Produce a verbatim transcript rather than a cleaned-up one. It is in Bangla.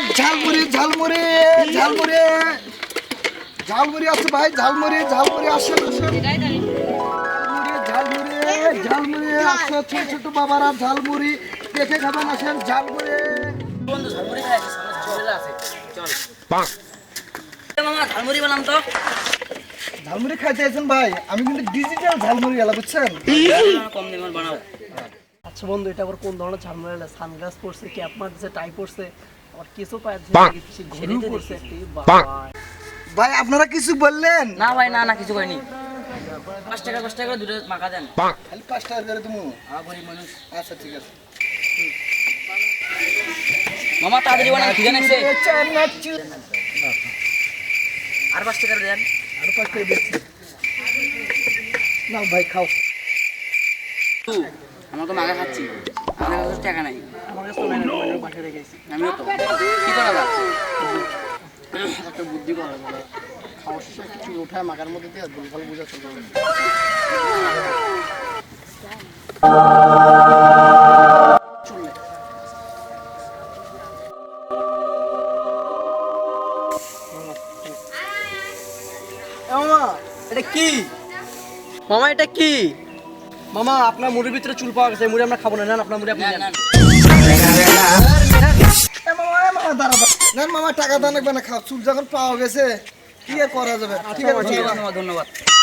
ঝালমুড়ি ঝালমুড়ি ঝালমুড়ি ঝালমুড়ি আছে ভাই, ঝালমুড়ি ঝালমুড়ি আসেন আসেন। ঝালমুড়ি ঝালমুড়ি আসছে, ছোট ছোট বাবারা ঝালমুড়ি দেখে খাবেন, আসেন ঝালমুড়ি। বন্ধু ঝালমুড়ি খাই আছে, সামনে ঝালমুড়ি আছে, চল পাক মামা ঝালমুড়ি বানাম তো। ঝালমুড়ি খাইতে আছেন ভাই, আমি কিন্তু ডিজিটাল ঝালমুড়ি এলা বুঝছেন, কম দামে বানাও। আচ্ছা বন্ধু, এটা আবার কোন ধরনের ঝালমুড়ি? সানগ্লাস পরছে, ক্যাপ মারছে, টাই পরছে, আবার কিছু পাচ্ছে, ঘুরু করছে একটি। ভাই আপনারা কিছু বললেন না ভাই, না না কিছু করিনি। পাঁচ টাকা পাঁচ টাকা করে দুটো মাখা দেন। খালি পাঁচ টাকা করে তুমি। হ্যাঁ গরিব মানুষ। আচ্ছা ঠিক আছে মামা তাড়াতাড়ি বানান, খিদে লাগছে। আর পাঁচ টাকা দেন। আর পাঁচ টাকা দিচ্ছি না ভাই, খাও। আমরা তো মাখা খাচ্ছি, আমাদের কাছে টাকা নাই। আমার কাছে তো নাই, আমি পাঠিয়ে রেখেছি। আমিও তো কি করা যায়? একটা বুদ্ধি করা যাবে, খাওয়ার শেষে কিছু উঠায় মাখার মধ্যে দিয়ে ভুল ভাল বুঝা চলবে। মামা এটা কি? মামা এটা কি? মামা আপনার মুড়ির ভিতরে চুল পাওয়া গেছে, মুড়ি আমরা খাবো না। নেন আপনার মুড়ি, আপনি নেন। এ মামা এ মামা দাঁড়া দাঁড়া। না মামা টাকা দাও লাগবে না, খাও। চুল যখন পাওয়া গেছে কি আর করা যাবে। ঠিক আছে ধন্যবাদ।